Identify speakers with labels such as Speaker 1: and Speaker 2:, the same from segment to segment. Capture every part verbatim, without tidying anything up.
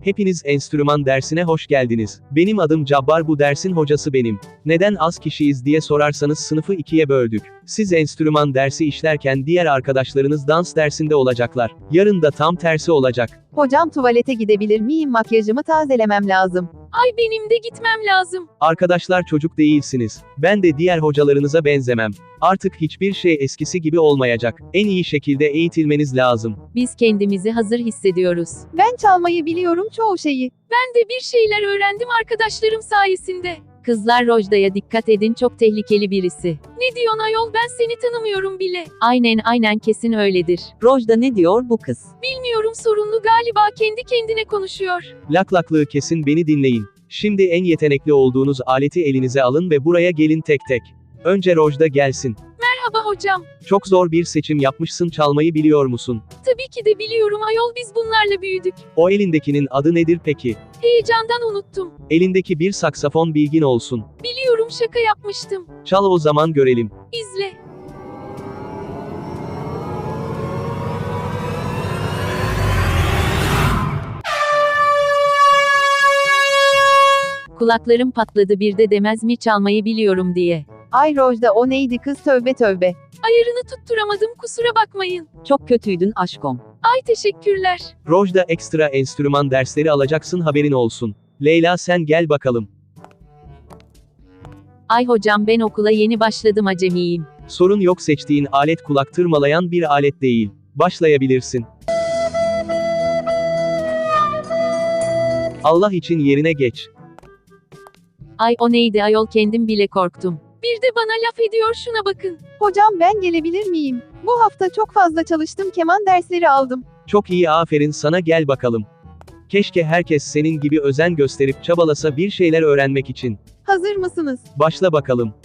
Speaker 1: Hepiniz enstrüman dersine hoş geldiniz. Benim adım Cabbar, bu dersin hocası benim. Neden az kişiyiz diye sorarsanız sınıfı ikiye böldük. Siz enstrüman dersi işlerken diğer arkadaşlarınız dans dersinde olacaklar. Yarın da tam tersi olacak.
Speaker 2: Hocam tuvalete gidebilir miyim? Makyajımı tazelemem lazım.
Speaker 3: Ay benim de gitmem lazım.
Speaker 1: Arkadaşlar, çocuk değilsiniz. Ben de diğer hocalarınıza benzemem. Artık hiçbir şey eskisi gibi olmayacak. En iyi şekilde eğitilmeniz lazım.
Speaker 3: Biz kendimizi hazır hissediyoruz.
Speaker 2: Ben çalmayı biliyorum çoğu şeyi.
Speaker 3: Ben de bir şeyler öğrendim arkadaşlarım sayesinde. Kızlar, Rojda'ya dikkat edin, çok tehlikeli birisi. Ne diyorsun ayol, ben seni tanımıyorum bile. Aynen aynen, kesin öyledir.
Speaker 4: Rojda ne diyor bu kız?
Speaker 3: Bilmiyorum, sorunlu galiba, kendi kendine konuşuyor.
Speaker 1: Laklaklığı kesin, beni dinleyin. Şimdi en yetenekli olduğunuz aleti elinize alın ve buraya gelin tek tek. Önce Rojda gelsin.
Speaker 3: Merhaba hocam.
Speaker 1: Çok zor bir seçim yapmışsın, çalmayı biliyor musun?
Speaker 3: Tabii ki de biliyorum ayol, biz bunlarla büyüdük.
Speaker 1: O elindekinin adı nedir peki?
Speaker 3: Heyecandan unuttum.
Speaker 1: Elindeki bir saksafon, bilgin olsun.
Speaker 3: Biliyorum, şaka yapmıştım.
Speaker 1: Çal o zaman görelim.
Speaker 3: İzle. Kulaklarım patladı, bir de demez mi çalmayı biliyorum diye.
Speaker 2: Ay Rojda, o neydi kız, tövbe tövbe.
Speaker 3: Ayarını tutturamadım, kusura bakmayın.
Speaker 4: Çok kötüydün aşkom.
Speaker 3: Ay teşekkürler.
Speaker 1: Rojda, ekstra enstrüman dersleri alacaksın, haberin olsun. Leyla, sen gel bakalım.
Speaker 3: Ay hocam, ben okula yeni başladım, acemiyim.
Speaker 1: Sorun yok, seçtiğin alet kulak tırmalayan bir alet değil. Başlayabilirsin. Allah için yerine geç.
Speaker 3: Ay o neydi ayol, kendim bile korktum. Bir de bana laf ediyor, şuna bakın.
Speaker 2: Hocam ben gelebilir miyim? Bu hafta çok fazla çalıştım, keman dersleri aldım.
Speaker 1: Çok iyi, aferin sana, gel bakalım. Keşke herkes senin gibi özen gösterip çabalasa bir şeyler öğrenmek için.
Speaker 2: Hazır mısınız?
Speaker 1: Başla bakalım.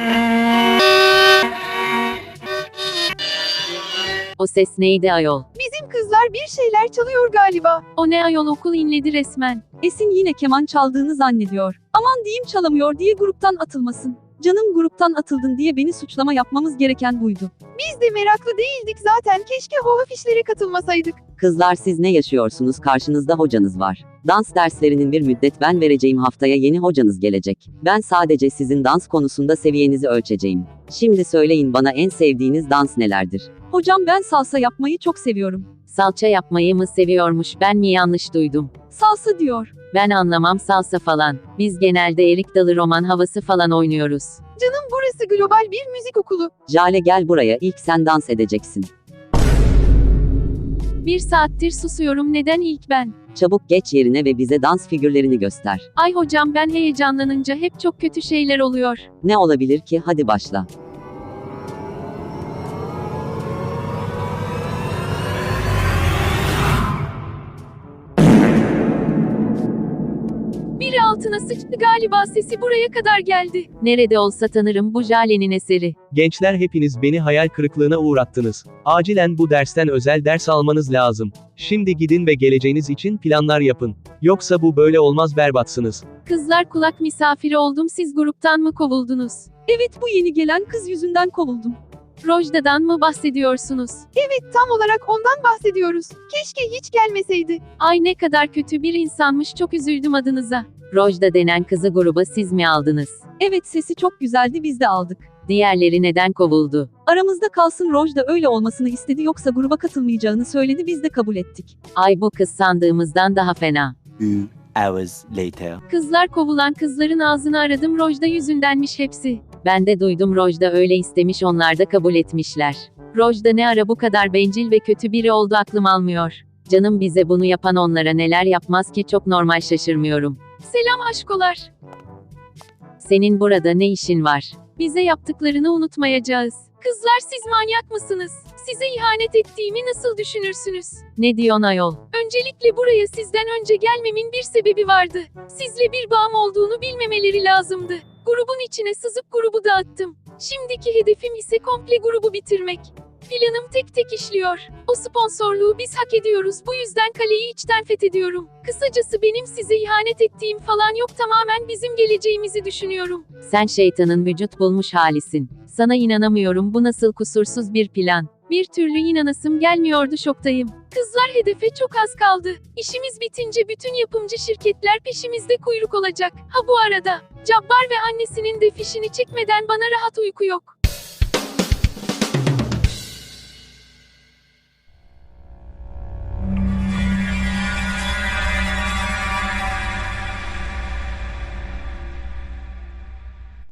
Speaker 3: O ses neydi ayol?
Speaker 2: Bizim kızlar bir şeyler çalıyor galiba.
Speaker 3: O ne ayol, okul inledi resmen.
Speaker 4: Esin yine keman çaldığını zannediyor. Aman diyeyim, çalamıyor diye gruptan atılmasın. Canım, gruptan atıldın diye beni suçlama yapmamız gereken buydu.
Speaker 2: Biz de meraklı değildik zaten, keşke o afişlere katılmasaydık.
Speaker 4: Kızlar, siz ne yaşıyorsunuz? Karşınızda hocanız var. Dans derslerinin bir müddet ben vereceğim, haftaya yeni hocanız gelecek. Ben sadece sizin dans konusunda seviyenizi ölçeceğim. Şimdi söyleyin bana, en sevdiğiniz dans nelerdir? Hocam, ben salsa yapmayı çok seviyorum.
Speaker 3: Salça yapmayı mı seviyormuş, ben mi yanlış duydum?
Speaker 4: Salsa diyor.
Speaker 3: Ben anlamam salsa falan. Biz genelde erik dalı roman havası falan oynuyoruz.
Speaker 2: Canım, burası global bir müzik okulu.
Speaker 4: Jale, gel buraya, ilk sen dans edeceksin.
Speaker 3: Bir saattir susuyorum, neden ilk ben?
Speaker 4: Çabuk geç yerine ve bize dans figürlerini göster.
Speaker 3: Ay hocam, ben heyecanlanınca hep çok kötü şeyler oluyor.
Speaker 4: Ne olabilir ki? Hadi başla.
Speaker 3: Biri altına sıçtı galiba, sesi buraya kadar geldi. Nerede olsa tanırım, bu Jale'nin eseri.
Speaker 1: Gençler, hepiniz beni hayal kırıklığına uğrattınız. Acilen bu dersten özel ders almanız lazım. Şimdi gidin ve geleceğiniz için planlar yapın. Yoksa bu böyle olmaz, berbatsınız.
Speaker 3: Kızlar, kulak misafiri oldum, siz gruptan mı kovuldunuz?
Speaker 4: Evet, bu yeni gelen kız yüzünden kovuldum.
Speaker 3: Rojda'dan mı bahsediyorsunuz?
Speaker 2: Evet, tam olarak ondan bahsediyoruz. Keşke hiç gelmeseydi.
Speaker 3: Ay ne kadar kötü bir insanmış, çok üzüldüm adınıza. Rojda denen kızı gruba siz mi aldınız?
Speaker 4: Evet, sesi çok güzeldi, biz de aldık.
Speaker 3: Diğerleri neden kovuldu?
Speaker 4: Aramızda kalsın, Rojda öyle olmasını istedi, yoksa gruba katılmayacağını söyledi, biz de kabul ettik.
Speaker 3: Ay bu kız sandığımızdan daha fena.
Speaker 5: Two hours later.
Speaker 3: Kızlar, kovulan kızların ağzını aradım, Rojda yüzündenmiş hepsi. Ben de duydum, Rojda öyle istemiş, onlar da kabul etmişler. Rojda ne ara bu kadar bencil ve kötü biri oldu, aklım almıyor. Canım, bize bunu yapan onlara neler yapmaz ki, çok normal, şaşırmıyorum. Selam aşkolar. Senin burada ne işin var? Bize yaptıklarını unutmayacağız. Kızlar, siz manyak mısınız? Size ihanet ettiğimi nasıl düşünürsünüz? Ne diyorsun ayol? Öncelikle buraya sizden önce gelmemin bir sebebi vardı. Sizle bir bağım olduğunu bilmemeleri lazımdı. Grubun içine sızıp grubu dağıttım. Şimdiki hedefim ise komple grubu bitirmek. Planım tek tek işliyor. O sponsorluğu biz hak ediyoruz, bu yüzden kaleyi içten fethediyorum. Kısacası benim size ihanet ettiğim falan yok, tamamen bizim geleceğimizi düşünüyorum. Sen şeytanın vücut bulmuş halisin. Sana inanamıyorum, bu nasıl kusursuz bir plan? Bir türlü inanasım gelmiyordu, şoktayım. Kızlar, hedefe çok az kaldı. İşimiz bitince bütün yapımcı şirketler peşimizde kuyruk olacak. Ha bu arada, Cabbar ve annesinin de fişini çekmeden bana rahat uyku yok.